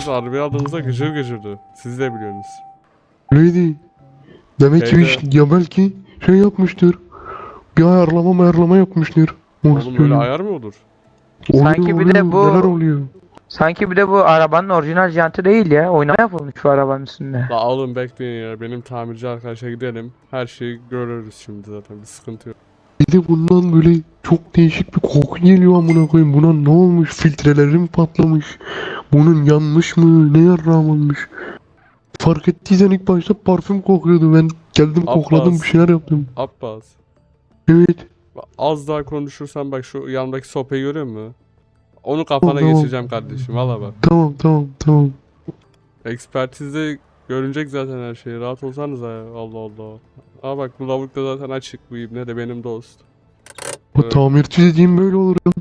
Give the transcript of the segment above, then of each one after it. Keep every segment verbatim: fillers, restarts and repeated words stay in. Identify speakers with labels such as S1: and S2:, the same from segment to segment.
S1: biz arabayı aldığımızda gıcır gıcırdı. Siz de biliyorsunuz.
S2: Öyleydi. Demek ki
S1: Şeyde-
S2: iş- ya belki şey yapmıştır. Bir ayarlama ayarlama yapmıştır. Onu
S1: Oğlum öyle
S2: söyleyeyim.
S1: ayar mı olur?
S2: Oluyor,
S3: Sanki bir de
S2: oluyor,
S3: bu-
S2: Neler oluyor?
S3: Sanki bir de bu arabanın orijinal jantı değil ya. Oynama yapılmış şu arabanın üstünde.
S1: La oğlum bekleyin ya. Benim tamirci arkadaşa gidelim. Her şeyi görürüz şimdi zaten. Bir sıkıntı yok.
S2: Bir de bundan böyle çok değişik bir koku geliyor amına koyayım. Buna ne olmuş? Filtreleri mi patlamış? Bunun yanmış mı? Ne yarrağım olmuş? Fark ettiysen ilk başta parfüm kokuyordu. Ben geldim
S1: Abbas.
S2: kokladım bir şeyler yaptım.
S1: Abbas.
S2: Evet.
S1: Bak, az daha konuşursan bak şu yandaki sopayı görüyor musun? Onu kafana
S2: Tamam.
S1: geçireceğim kardeşim. Valla bak.
S2: Tamam tamam tamam.
S1: Ekspertizde görünecek zaten her şey. Rahat olsanıza ya. Allah Allah. Aa bak bu lavuk da zaten açık bu ibne de benim dost.
S2: O
S1: Evet.
S2: tamirci dediğim böyle olur ya.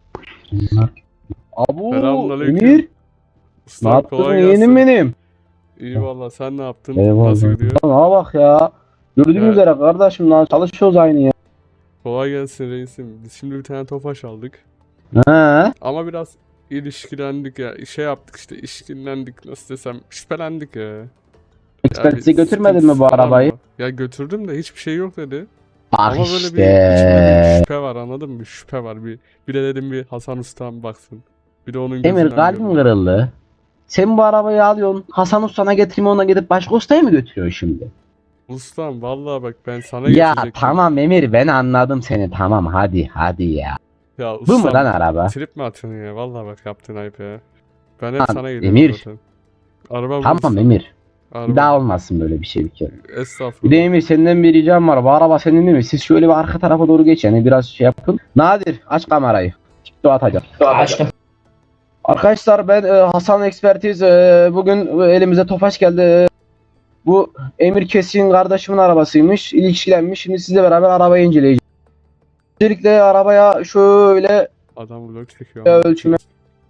S4: Abu
S1: Selamünaleyküm.
S4: Emir. Ne
S1: Ustam
S4: yaptın
S1: kolay
S4: yeğenim
S1: gelsin.
S4: benim?
S1: İyi valla sen ne yaptın?
S4: Eyvallah.
S1: Nasıl gidiyor?
S4: Lan bak ya. Gördüğün
S1: Evet.
S4: üzere kardeşim lan çalışıyoruz aynı ya.
S1: Kolay gelsin reisim. Biz şimdi bir tane tofaş aldık.
S4: He.
S1: Ama biraz ilişkilendik ya. Şey yaptık işte ilişkilendik nasıl desem şüphelendik ya.
S4: Ekspertize
S1: Yani
S4: götürmedin mi
S1: sıkıntısı
S4: bu
S1: falan
S4: arabayı?
S1: var. Ya götürdüm de hiçbir şey yok dedi.
S4: Bak
S1: Ama böyle bir
S4: işte.
S1: içimde bir şüphe var anladın mı? Bir şüphe var. Bir, bir de dedim bir Hasan Usta'm baksın. Bir de onun
S4: Emir
S1: gözünden
S4: kalbim
S1: görün.
S4: kırıldı. Sen bu arabayı alıyorsun. Hasan Usta'na getirme ona gidip başka ustaya mı götürüyorsun şimdi?
S1: Ustam vallahi bak ben sana
S4: Ya
S1: getirecektim.
S4: tamam Emir ben anladım seni tamam hadi hadi ya.
S1: Ya
S4: Bu mu
S1: ustam
S4: lan araba?
S1: trip mi atıyorsun ya? Vallahi bak yaptın ayıp ya. Ben hep
S4: Lan,
S1: sana geliyorum
S4: Emir.
S1: zaten. Araba bu
S4: Tamam
S1: ustam.
S4: Emir.
S1: Araba.
S4: Bir daha olmasın böyle bir şey bir kere. Bir
S1: Estağfurullah.
S4: de Emir senden bir ricam var. Bu araba senin değil mi? Siz şöyle bir arka tarafa doğru geç yani biraz şey yapın. Nadir aç kamerayı. TikTok atacağım.
S5: Açtım.
S4: Arkadaşlar ben e, Hasan Ekspertiz. E, bugün elimize Tofaş geldi. E, bu Emir Kesin kardeşimin arabasıymış. İlişkilenmiş. Şimdi sizle beraber arabayı inceleyeceğiz. Öncelikle arabaya şöyle
S1: Adam vlog çekiyor.
S4: Ya
S1: ama.
S4: ölçüme-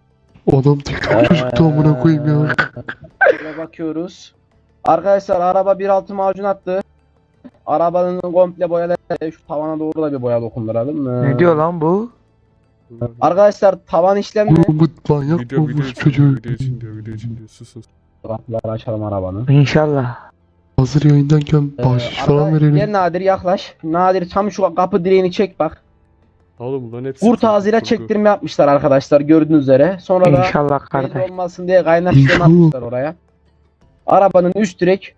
S2: Adam TikTok çocuktu amına koyayım ya.
S4: şöyle bakıyoruz. Arkadaşlar araba bir altı macun attı. Arabanın komple boyaları şu tavana doğru da bir boya dokunduralım. E,
S3: Ne diyor lan bu?
S4: Arkadaşlar tavan işlemi.
S2: Oğlum bu manyak
S1: Video, video
S2: olmuş
S1: için,
S2: çocuğu.
S1: video için diyor, video için diyor. Sus sus.
S4: Kapıları açalım arabanın.
S3: İnşallah.
S2: Hazır yayındayken
S4: Ee,
S2: bahşiş
S4: arada-
S2: falan verelim.
S4: Gel Nadir yaklaş. Nadir tam şu kapı direğini çek bak.
S1: Oğlum bunların hepsi
S4: Kurt
S1: kurgu,
S4: ağzıyla
S1: kurgu.
S4: çektirme yapmışlar arkadaşlar gördüğünüz üzere. Sonra da
S3: İnşallah
S4: belli
S3: kardeş.
S4: olmasın diye kaynak işlemi
S2: İnşallah.
S4: atmışlar oraya. Arabanın üst direk,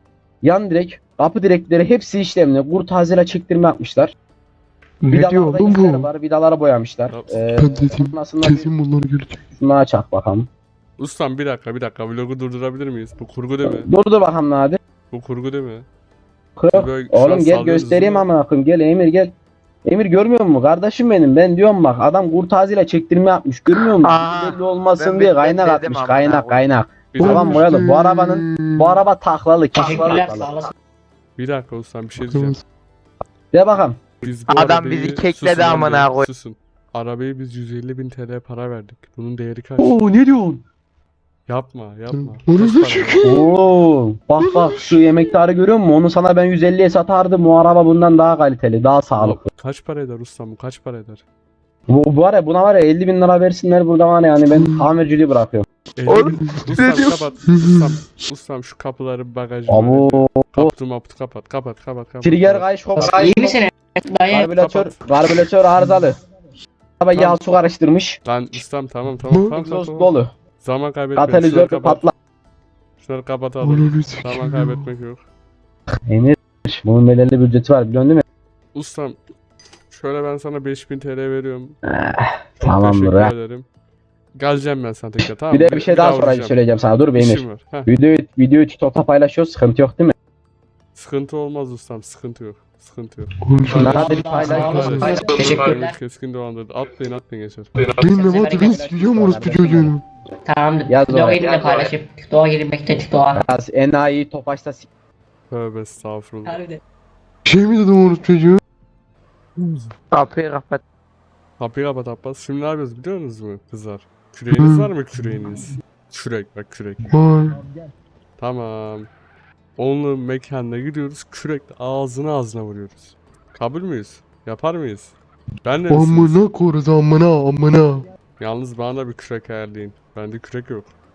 S4: yan direk, kapı direkleri hepsi işlemli. Kurt ağzıyla çektirme yapmışlar.
S2: Ne diyor
S4: Vidalarda
S2: oğlum
S4: izler
S2: bu?
S4: var. Vidaları boyamışlar.
S1: Yap.
S4: Ee,
S2: Ben dedim
S4: sonrasında bir
S2: kesin bunları görecek.
S4: şunu açak bakalım.
S1: Ustam bir dakika bir dakika vlogu durdurabilir miyiz? Bu kurgu değil mi?
S4: Dur dur bakalım Nadir.
S1: Bu kurgu değil mi?
S4: Kırık.
S1: Böyle şu an
S4: Oğlum gel
S1: sallıyorsunuz
S4: göstereyim
S1: değil mi?
S4: ama akım gel Emir gel. Emir görmüyor musun kardeşim benim? Ben diyorum bak adam kurt ağzıyla çektirme yapmış. Görmüyor musun?
S3: Aa,
S4: Belli olmasın
S3: ben
S4: diye
S3: bir- ben
S4: kaynak
S3: dedim
S4: atmış.
S3: amına
S4: Kaynak
S3: koyayım.
S4: kaynak.
S1: Bir
S4: Tamam
S1: dakika,
S4: boyalı. Bu arabanın bu araba taklalı.
S5: Teşekkürler
S4: taklalı.
S5: sağ olasın.
S1: bir dakika ustam bir şey diyeceğim.
S4: De bakalım.
S1: Biz bu
S3: Adam
S1: arabayı-
S3: bizi kekledi
S1: Susun lan
S3: amına
S1: bir,
S3: koy-
S1: Susun. Arabayı biz yüz elli bin T L para verdik. Bunun değeri kaç?
S2: Oo ne diyorsun?
S1: Yapma yapma.
S2: Onu
S1: Kaç
S2: da
S1: para?
S2: çekeyim.
S4: Oo, bak bak şu yemektarı görüyor musun? Onu sana ben yüz elliye satardım. Bu araba bundan daha kaliteli, daha sağlıklı.
S1: Kaç para eder ustam bu kaç para eder?
S4: Bu, bu var ya buna var ya elli bin lira versinler burada var ya yani ben tamirciliği bırakıyorum.
S1: elli
S3: Oğlum,
S1: bin.
S3: ne
S1: Ustam
S3: diyorsun?
S1: kapat. Ustam, ustam şu kapıları bagajı.
S4: Abo.
S1: Kaptı maptı kapat kapat kapat kapat.
S4: Trigger kayış hop.
S5: İyi misin? Dayı.
S4: Karbüratör, karbüratör arızalı. Araba yağ su karıştırmış.
S1: Lan ustam tamam tamam tamam tamam.
S4: Egzoz
S1: tamam.
S4: dolu.
S1: Zaman kaybetmeyin.
S4: Katalizör
S1: Şunları kapat.
S4: patla.
S1: Şunları kapatalım.
S2: Onu
S1: Zaman
S2: sikeyim.
S1: kaybetmek yok.
S4: Emir bunun belirli bir ücreti var biliyorsun değil mi?
S1: Ustam şöyle ben sana beş bin T L veriyorum.
S4: Eh,
S1: Çok
S4: Tamamdır
S1: teşekkür
S4: ha.
S1: ederim. Geleceğim ben sana tekrar tamam
S4: Bir
S1: mı?
S4: de bir şey daha sonra
S1: uğrayacağım.
S4: söyleyeceğim sana. Dur be Emir.
S1: İşim var. Heh.
S4: Videoyu, videoyu TikTok'ta paylaşıyoruz. Sıkıntı yok değil mi?
S1: Sıkıntı olmaz ustam sıkıntı yok. Sıkıntı yok.
S2: Konuşalım.
S4: Hadi
S5: Sağ
S4: paylaş.
S5: olasın.
S1: Paylaş.
S5: Teşekkürler.
S1: Keskin dolandırdı. Atlayın atlayın geçer.
S2: Ben ne var ben sikeceğim orospu çocuğunu.
S5: Tamamdır.
S4: Yaz
S5: TikTok'a
S4: oraya,
S5: girin de
S4: yaz
S5: paylaşıp. TikTok'a girmekte TikTok'a.
S4: Biraz enayi topaçta s-
S1: Tövbe estağfurullah.
S5: Harbiden.
S2: Şey mi dedim orospu çocuğu?
S3: Kapıyı kapat.
S1: Kapıyı kapat Abbas. Şimdi ne yapıyoruz biliyor musunuz mu kızlar? Küreğiniz var mı küreğiniz? Kürek bak kürek.
S2: Vay.
S1: Tamam. Onunla mekanına gidiyoruz. Kürekle ağzına ağzına vuruyoruz. Kabul müyüz? Yapar mıyız? Ben de misiniz?
S2: Amına koruz amına amına.
S1: Yalnız bana da bir kürek ayarlayın. Bende kürek yok.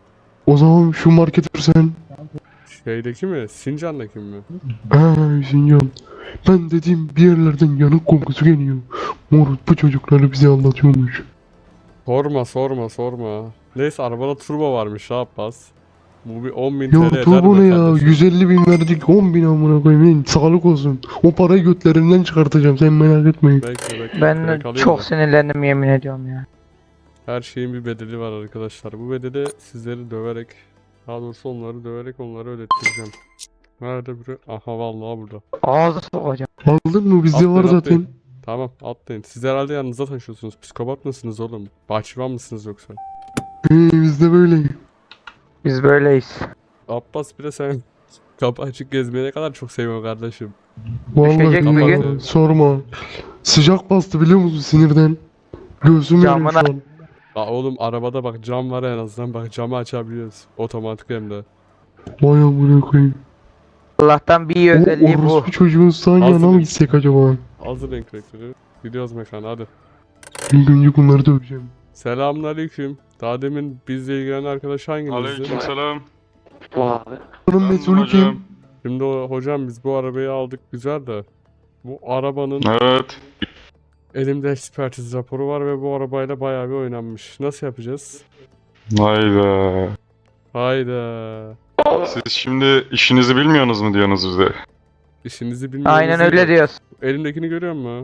S2: O zaman şu marketör sen.
S1: Şeydeki mi? Sincan'daki mi?
S2: Ha Sincan. Ben dediğim bir yerlerden yanık kokusu geliyor. Moruk bu çocukları bize anlatıyormuş.
S1: Sorma sorma sorma. Neyse arabada turbo varmış ha Abbas. Bu bir on bin
S2: Ya
S1: T L eder
S2: turbo
S1: mi
S2: ne ya?
S1: kardeşim?
S2: yüz elli bin verdik on bin amına koyayım. Sağlık olsun. O parayı götlerinden çıkartacağım sen merak etmeyin.
S1: Bekle bekle.
S3: Ben
S1: direkt alayım
S3: çok
S1: da.
S3: sinirlendim yemin ediyorum ya.
S1: Her şeyin bir bedeli var arkadaşlar. Bu bedeli sizleri döverek, daha doğrusu onları döverek onları ödettireceğim. Nerede biri? Aha vallahi burada.
S3: Ağzı sokacağım.
S2: Aldın mı? Bizde
S1: Atlayın,
S2: var zaten.
S1: atlayın. Tamam atlayın. Siz herhalde yanınıza taşıyorsunuz. Psikopat mısınız oğlum? Bahçıvan mısınız yoksa?
S2: He bizde böyle.
S3: Biz böyleyiz.
S1: Abbas bile sen kapı açık gezmeyi ne kadar çok seviyorum kardeşim.
S3: Düşecek
S2: Vallahi
S1: bir
S2: ya,
S1: gün.
S2: sorma. Sıcak bastı biliyor musun sinirden? Göğsüm yanıyor şu
S3: Camına-
S2: an.
S1: Aa, oğlum arabada bak cam var en azından bak camı açabiliyoruz. Otomatik hem de.
S2: Vay amına koyayım.
S3: Allah'tan bir iyi
S2: O
S3: özelliği bu.
S2: orospu çocuğun sağ yanına
S1: Hazır.
S2: mı gitsek acaba?
S1: Hazır renk renkleri. Gidiyoruz mekana hadi.
S2: İlk önce bunları döveceğim.
S1: Selamünaleyküm. Daha demin bizle ilgilenen arkadaş hanginizdi?
S6: Aleykümselam.
S2: Bunun
S6: Ben
S2: mesulü kim?
S6: hocam.
S1: Şimdi o, hocam biz bu arabayı aldık güzel de. Bu arabanın
S6: Evet.
S1: elimde ekspertiz raporu var ve bu arabayla bayağı bir oynanmış. Nasıl yapacağız?
S6: Hayda.
S1: Hayda.
S6: Siz şimdi işinizi bilmiyorsunuz mu diyorsunuz bize?
S1: İşinizi bilmiyoruz.
S3: Aynen öyle diyoruz.
S1: Elimdekini görüyor musun?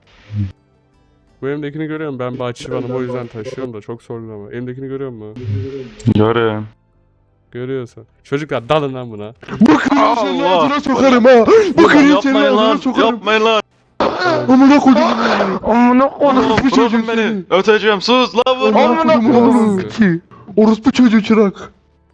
S1: Bu elimdekini görüyorum ben bahçıvanım o yüzden taşıyorum da çok sorgulama. Elimdekini görüyor musun?
S6: Göreyim.
S1: Görüyorsun. Çocuklar dalın lan buna.
S2: Bakın senin
S6: Allah!
S2: ağzına sokarım ha. Bakın senin
S6: Yapmayın
S2: ağzına
S6: lan.
S2: sokarım.
S6: Yapmayın lan.
S2: Amına koydum.
S3: Amına koydum.
S6: Oğlum
S2: Orospu çocuğu
S6: bırakın beni.
S2: seni.
S6: Öteceğim. Sus lan vurma.
S2: Amına koydum oğlum. Ki. Orospu çocuğu çırak.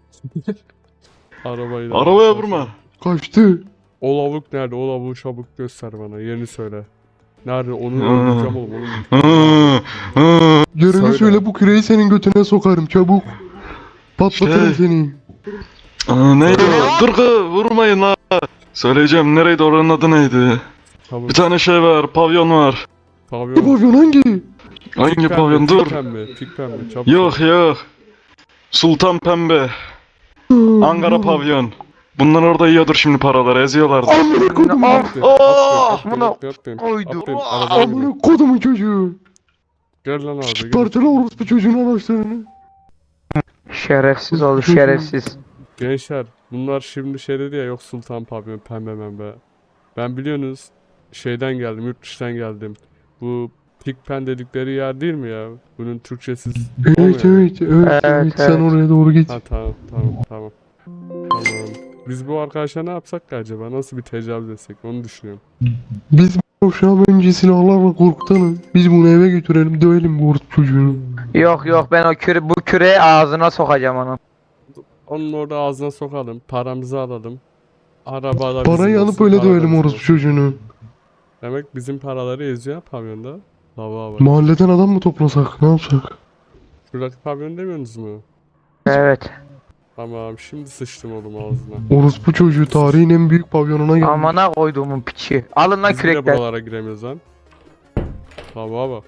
S1: Arabayı da-
S6: Arabaya vurma.
S2: Kaçtı.
S1: O lavuk nerede? O lavuğu çabuk göster bana. Yerini söyle. Nerede? Onu
S6: Hmm.
S1: öldüreceğim oğlum. Onu...
S6: Hı, hı.
S2: Yerini
S1: Söyle.
S2: söyle bu küreği senin götüne sokarım çabuk. Patlatırım
S6: Şey.
S2: seni.
S6: Aa, neydi o? Dur kız vurmayın lan. Söyleyeceğim nereydi oranın adı neydi?
S1: Çabuk.
S6: Bir tane şey var pavyon var.
S2: Bu
S1: Pavyon.
S2: pavyon hangi?
S6: Hangi
S1: Pik
S6: pavyon
S1: pembe,
S6: dur.
S1: Pik pembe. Pik pembe. Çabuk.
S6: Yok yok. Sultan Pembe. Ankara pavyon. Bunlar orada yiyordur şimdi paraları eziyorlardı.
S2: Amına koydum.
S1: Atlayın,
S3: Oh,
S1: atlayın,
S3: bunu
S1: atlayın, atlayın,
S3: koydu.
S1: atlayın,
S3: Oh.
S1: arabaya binin.
S2: Amına kodumun çocuğu.
S1: Gel lan abi. Gel.
S2: Parçala orospu çocuğun araçlarını.
S3: Şerefsiz oldu şerefsiz.
S1: Gençler bunlar şimdi şey dedi ya yok Sultan Pavyon pembe membe. Ben biliyorsunuz şeyden geldim yurt dışından geldim. Bu Pikpen dedikleri yer değil mi ya? Bunun Türkçesi
S2: Evet
S1: olmuyor.
S2: evet evet
S3: Evet,
S2: evet sen
S3: evet.
S2: oraya doğru git.
S1: Ha tamam tamam tamam. Tamam. Biz bu arkadaşa ne yapsak ki acaba? Nasıl bir tecavüz etsek onu düşünüyorum.
S2: Biz bu akşam önce silahlarla korkutalım. Biz bunu eve götürelim dövelim bu orospu çocuğunu.
S3: Yok yok ben o küre bu küreği ağzına sokacağım onun.
S1: Onun orada ağzına sokalım. Paramızı alalım. Arabada bizim
S2: Parayı alıp
S1: olsun,
S2: öyle
S1: para da
S2: dövelim
S1: bizim
S2: orospu
S1: olsun.
S2: çocuğunu.
S1: Demek bizim paraları eziyor pavyonda. Lava bak.
S2: Mahalleden adam mı toplasak ne yapsak?
S1: Şuradaki pavyon demiyorsunuz mu?
S3: Evet.
S1: Tamam şimdi sıçtım oğlum ağzına.
S2: Orospu çocuğu tarihin en büyük pavyonuna geldi.
S3: Amına koyduğumun piçi. Alın lan
S1: Biz bile
S3: kürekler.
S1: buralara giremiyoruz lan. Lava bak.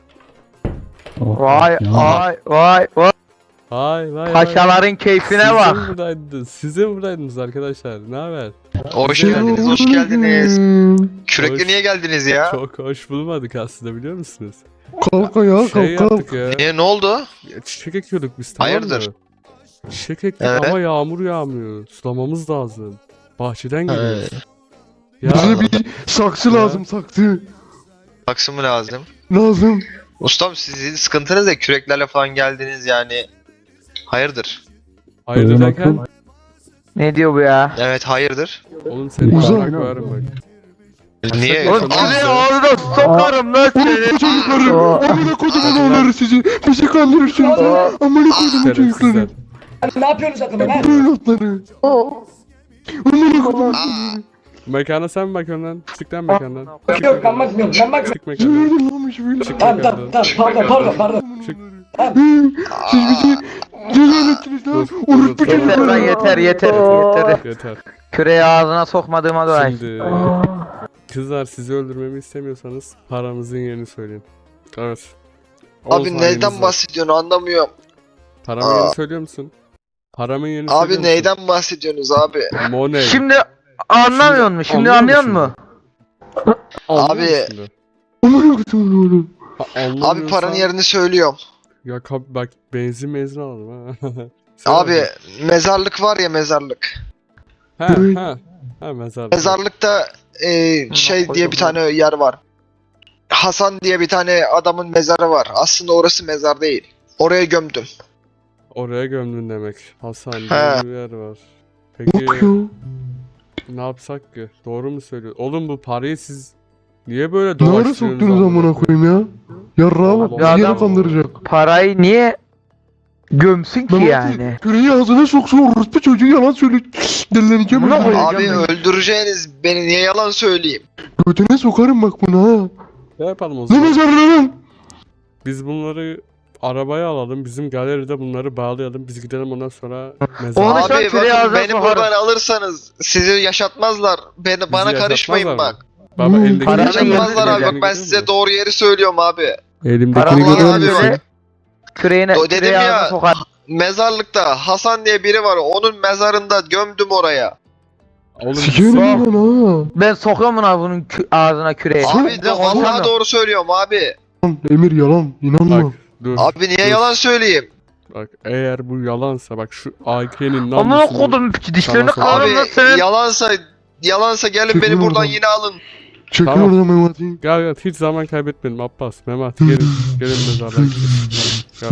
S3: Vay vay vay vay.
S1: Hay vay vay.
S3: Paşaların keyfine
S1: Siz de
S3: bak.
S1: mi buradaydınız? Siz de mi buradaydınız arkadaşlar? Ne haber?
S7: Hoş
S1: Şey
S7: geldiniz, hoş geldiniz. Kürekle niye geldiniz ya?
S1: Çok hoş bulmadık aslında biliyor musunuz?
S2: Kalk ayağa
S1: Şey
S2: kalk kalk.
S1: yaptık ya.
S7: Niye, ne oldu?
S1: ya Çiçek ekiyorduk biz tamam
S7: Hayırdır?
S1: mı? Çiçek ektik
S7: Evet.
S1: ama yağmur yağmıyor. Sulamamız lazım. Bahçeden geliyoruz. Ya
S2: Bize bir saksı
S1: Ya.
S2: lazım saksı.
S7: Saksı mı lazım?
S2: Lazım.
S7: Ustam sizin sıkıntınız da küreklerle falan geldiniz yani. Hayırdır?
S1: hayırdır derken
S3: Ne diyor bu ya?
S7: Evet hayırdır.
S1: oğlum seni
S2: Uzak.
S1: bana koyarım bak.
S7: Niye?
S3: Oğlum
S1: Aa.
S3: küreği ağzına sokarım lan seni.
S2: Orospu çocukları. Amına kodumun oğulları sizi. Bizi kandırırsınız. ha. Amına kodumun çocukları.
S1: Şerefsizler.
S8: Ne yapıyorsunuz akıllı lan?
S2: Evlatları. Amına kodumun.
S7: Aa,
S1: Mekana sen mi bakıyorsun lan? Çık lan mekandan.
S8: Yok ben bakmıyorum ben bakmıyorum.
S1: Çık mekandan.
S2: Nerede lanmış böyle?
S1: Çık
S8: Tamam
S1: mekandan.
S8: tamam tamam pardon pardon pardon.
S1: Çık.
S2: Siz bizi cezal ettiniz lan.
S1: Dur,
S2: Orospu
S1: dur,
S3: Yeter lan
S2: çocukları.
S3: yeter yeter yeter.
S1: Yeter.
S3: Küreği ağzına sokmadığıma dua et.
S1: Şimdi kızlar sizi öldürmemi istemiyorsanız paramızın yerini söyleyin. Evet. Oğuz
S7: abi
S1: hanginiz
S7: neyden
S1: var?
S7: bahsediyorsun anlamıyorum.
S1: Paramın
S7: Aa.
S1: yerini söylüyor musun? Paramın yerini
S7: Abi
S1: söylüyor musun?
S7: neyden bahsediyorsunuz abi?
S1: Money.
S3: Şimdi anlamıyor musun? Şimdi
S1: anlıyor
S3: anlıyor
S1: musun
S3: musun?
S1: Anlıyor
S7: Abi-
S1: musun şimdi?
S2: Amına koyayım oğlum.
S1: Ha,
S7: Abi
S1: anlamıyorsan-
S7: paranın yerini söylüyorum.
S1: Ya kap bak benzin mezun alalım ha. Sen
S7: Abi
S1: al.
S7: mezarlık var ya mezarlık.
S1: Ha
S2: Evet.
S1: ha. Ha mezarlık.
S7: Mezarlıkta e, şey diye bir tane yer var. Hasan diye bir tane adamın mezarı var. Aslında orası mezar değil. Oraya gömdüm.
S1: Oraya gömdün demek. Hasan
S7: He.
S1: diye bir yer var. Peki
S2: Yok ya.
S1: ne yapsak ki? Doğru mu söylüyor? Oğlum bu parayı siz niye böyle
S2: Ne ara
S1: dolaştırıyorsunuz
S2: soktunuz amına koyayım ya? Yarrağa bak
S1: Allah
S2: bizi
S3: Allah.
S2: yere kandıracak.
S3: Parayı niye gömsün ki
S2: Mehmet
S3: yani?
S2: küreği ağzına soksun orospu çocuğu yalan söylüyor. Delileneceğim.
S3: Buna
S2: öyle.
S3: koyacağım
S7: Abi
S3: ben.
S7: öldüreceğiniz beni, niye yalan söyleyeyim?
S2: Götüne sokarım bak bunu ha.
S1: Ne yapalım o
S2: Ne
S1: zaman?
S2: mezarlığı lan?
S1: Biz bunları arabaya alalım. Bizim galeride bunları bağlayalım. Biz gidelim ondan sonra
S3: Onu
S1: mezara.
S3: şu an
S7: Abi
S3: küreği
S7: bakın
S3: ağzına
S7: beni
S3: sokarım.
S7: buradan alırsanız sizi yaşatmazlar. Beni, bana karışmayın
S1: yaşatmazlar
S7: bak.
S1: mı? Baba
S2: Hmm.
S1: elindeki
S3: Paranın
S7: Yaşatmazlar abi, bak ben
S1: görüyor
S7: size
S1: musun?
S7: doğru yeri söylüyorum abi.
S1: Elimdekini
S3: Paranın
S7: Vallahi
S1: görüyor
S7: abi
S1: musun?
S3: yerini
S7: bak.
S3: küreğine,
S7: O dedim
S3: küreği
S7: ya,
S3: ağzına sokar.
S7: Mezarlıkta Hasan diye biri var, onun mezarında gömdüm oraya.
S1: Oğlum
S2: Sikerim
S3: Sok.
S2: lan ha.
S3: Ben sokuyorum bunu bunun kü- ağzına küreği.
S7: Abi
S3: Bir de
S7: de vallahi
S3: konuşamıyorum.
S7: doğru söylüyorum abi.
S2: Lan Emir yalan inanma.
S1: bak dur.
S7: Abi niye
S1: Dur.
S7: yalan söyleyeyim?
S1: Bak eğer bu yalansa bak şu A K'nin
S3: Amına
S1: namusunu
S3: kodum piçi dişlerini
S1: Sana sok.
S3: kırarım lan
S7: Abi
S3: senin.
S7: yalansa yalansa gelin
S2: Çekil
S7: beni buradan
S2: oradan.
S7: yine alın.
S2: Çekil
S1: Tamam.
S2: oradan Memati.
S1: Gel gel hiç zaman kaybetmeyelim Abbas, Mehmet gelin gelin mezarlığa gidelim. Gel.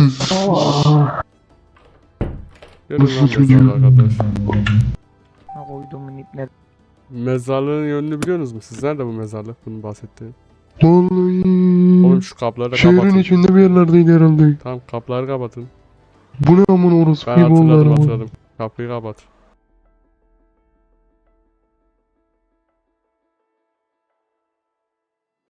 S1: Gelin lan
S2: Nasıl çocuğum?
S1: mezarlığa arkadaş.
S3: Ne koyduğumun ipne.
S1: Mezarlığın yönünü biliyorsunuz mu? Siz nerede bu mezarlık bunun bahsettiğin?
S2: Vallahi.
S1: Oğlum şu kapıları da
S2: Şehrin
S1: kapatın.
S2: içinde bir yerlerdeydi herhalde.
S1: Tamam kapıları kapatın.
S2: Bu ne amına orospu
S1: Ben
S2: gibi oldu
S1: hatırladım
S2: araba.
S1: hatırladım. Kapıyı kapat.